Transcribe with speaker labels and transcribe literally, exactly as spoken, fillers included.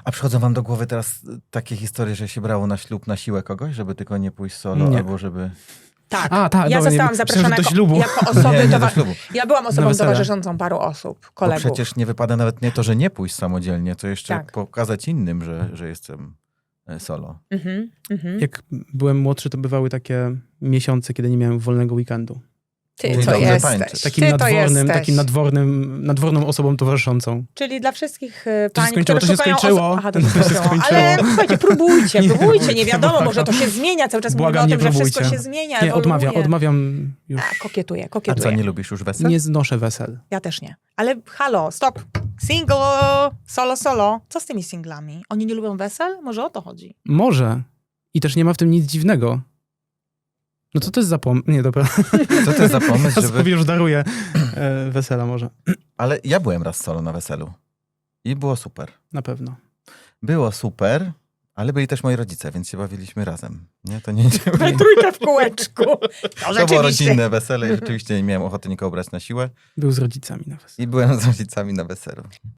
Speaker 1: A przychodzą wam do głowy teraz takie historie, że się brało na ślub na siłę kogoś, żeby tylko nie pójść solo,
Speaker 2: Nie.
Speaker 1: albo żeby...
Speaker 3: Tak,
Speaker 2: A, tak,
Speaker 3: ja
Speaker 2: dobra, nie,
Speaker 3: zostałam
Speaker 2: myślałem,
Speaker 3: zaproszona
Speaker 2: że do
Speaker 3: jako,
Speaker 2: ślubu.
Speaker 3: jako osoby...
Speaker 1: Nie, nie do
Speaker 3: towa-
Speaker 1: ślubu.
Speaker 3: Ja byłam
Speaker 2: Na
Speaker 3: osobą
Speaker 2: wesele.
Speaker 3: towarzyszącą paru osób,
Speaker 1: Bo
Speaker 3: kolegów.
Speaker 1: przecież nie wypada nawet nie to, że nie pójść samodzielnie, to jeszcze
Speaker 3: Tak.
Speaker 1: pokazać innym, że, że jestem e, solo.
Speaker 3: Mhm, mhm.
Speaker 2: Jak byłem młodszy, to bywały takie miesiące, kiedy nie miałem wolnego weekendu.
Speaker 3: Ty
Speaker 1: Czyli
Speaker 3: to
Speaker 1: dobrze
Speaker 3: jesteś.
Speaker 1: tańczysz.
Speaker 2: Takim
Speaker 3: Ty to
Speaker 2: nadwornym,
Speaker 3: jesteś.
Speaker 2: takim nadwornym, nadworną osobą towarzyszącą.
Speaker 3: Czyli dla wszystkich y,
Speaker 2: To się
Speaker 3: pań,
Speaker 2: skończyło,
Speaker 3: które
Speaker 2: to się
Speaker 3: szukają
Speaker 2: skończyło.
Speaker 3: osób... Aha, to się
Speaker 2: To się
Speaker 3: skończyło.
Speaker 2: skończyło.
Speaker 3: Ale słuchajcie, próbujcie,
Speaker 2: Nie,
Speaker 3: próbujcie, nie wiadomo,
Speaker 2: błagam.
Speaker 3: może to się zmienia. Cały czas
Speaker 2: Błagam,
Speaker 3: mówimy o
Speaker 2: nie
Speaker 3: tym, że wszystko
Speaker 2: próbujcie.
Speaker 3: się zmienia,
Speaker 2: Nie,
Speaker 3: ewoluuje.
Speaker 2: odmawiam, odmawiam już.
Speaker 3: A, kokietuję,
Speaker 1: A
Speaker 3: kokietuję.
Speaker 1: co, nie lubisz już wesel?
Speaker 2: Nie znoszę wesel.
Speaker 3: Ja też nie. Ale halo, stop. Single, solo, solo. Co z tymi singlami? Oni nie lubią wesel? Może o to chodzi?
Speaker 2: Może. I też nie ma w tym nic dziwnego. No co to jest za pom... Nie, dobra.
Speaker 1: Co to jest za pomysł,
Speaker 2: Ja
Speaker 1: żeby...
Speaker 2: sobie już daruję e, wesela może.
Speaker 1: Ale ja byłem raz solo na weselu. I było super.
Speaker 2: Na pewno.
Speaker 1: Było super, ale byli też moi rodzice, więc się bawiliśmy razem. Nie, to nie...
Speaker 3: We trójkę w kółeczku. No,
Speaker 1: To było
Speaker 3: rzeczywiście.
Speaker 1: rodzinne wesele i rzeczywiście nie miałem ochoty nikogo brać na siłę.
Speaker 2: Był z rodzicami na weselu.
Speaker 1: I byłem z rodzicami na weselu.